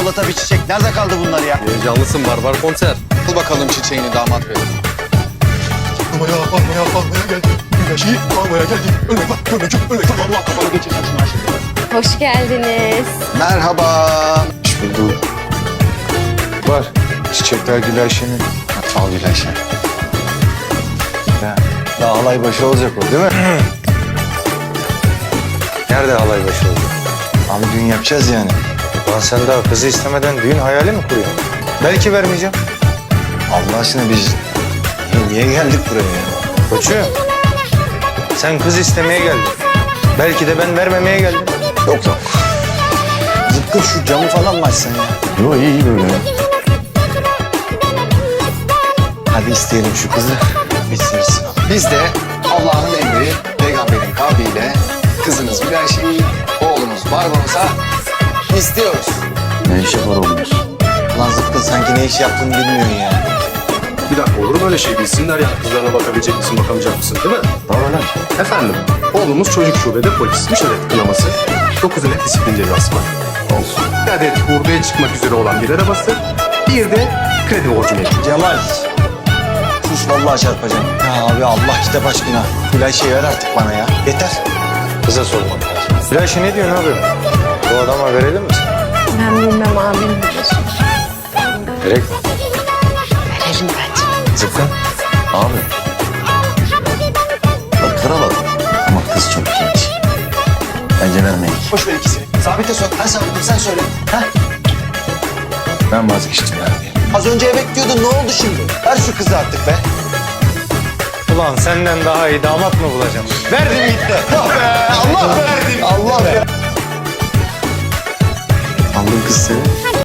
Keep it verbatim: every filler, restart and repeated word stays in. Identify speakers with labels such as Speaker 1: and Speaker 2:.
Speaker 1: çikolata, bir çiçek. Nerede kaldı bunlar ya?
Speaker 2: Heyecanlısın, barbar konser.
Speaker 3: Al bakalım çiçeğini damat bey.
Speaker 4: Almaya, almaya, almaya geldim. Güneşi almaya geldim. Ölme bak, ölmeyecek, ölmeyecek. Allah kafanı geçirsin şunu aşkına.
Speaker 5: Hoş geldiniz.
Speaker 3: Merhaba.
Speaker 1: Hoş bulduk. Var. Çiçekler Gülayşe'nin.
Speaker 3: Al Gülayşe.
Speaker 1: Ya, daha halay başı olacak o değil mi? Nerede halay başı olacak? Abi düğün yapacağız yani. Lan sen daha kızı istemeden düğün hayali mi kuruyorsun? Belki vermeyeceğim. Allah aşkına biz niye geldik buraya ya? Koçum, sen kız istemeye geldin. Belki de ben vermemeye geldim. Yok yok. Zıpkın şu camı falan mı açsan ya? Yok iyi iyi böyle. Hadi isteyelim şu kızı. Bitsin bitsin.
Speaker 3: Biz de Allah'ın emri, peygamberin kavliyle kızınız Gülayşe'yi, oğlunuz Barbaros'a istiyoruz.
Speaker 1: Ne işi var olmuş? Lan Zıpkın sanki ne iş yaptığını bilmiyorsun ya.
Speaker 2: Bir dakika, olur mu öyle şey? Bilsinler ya, kızlarına bakabilecek misin, bakamayacak mısın, değil mi?
Speaker 1: Tamam lan.
Speaker 2: Efendim, oğlumuz çocuk şubede polis. Üç adet kınaması, dokuz adet disiplin cezası var.
Speaker 1: Olsun.
Speaker 2: Bir adet hurdaya çıkmak üzere olan bir arabası, bir de kredi borcu mevcut.
Speaker 1: Cemal. Sus vallahi çarpacağım. Ya abi Allah kitap aşkına. Gülayşe'yi ver artık bana ya. Yeter. Kıza sormak lazım. Gülayşe ne diyorsun abi? Bu adama verelim mi?
Speaker 5: Ben bilmem abim bilir.
Speaker 1: Gerek mi?
Speaker 5: Verelim bence.
Speaker 1: Zıpkın. Abi. Bak kral adam. Ama kız çok genç. Bence vermeyin.
Speaker 3: Boş ver ikisini. Sabit'e sor. Ben Sabit'im, sen söyle. Ha?
Speaker 1: Ben vazgeçtim abi.
Speaker 3: Az önce evet diyordun, ne oldu şimdi?
Speaker 1: Ver şu kızı artık be. Ulan senden daha iyi damat mı bulacağım? Verdim gitti. Ah be, Allah verdim. Allah be. Aldım kız seni.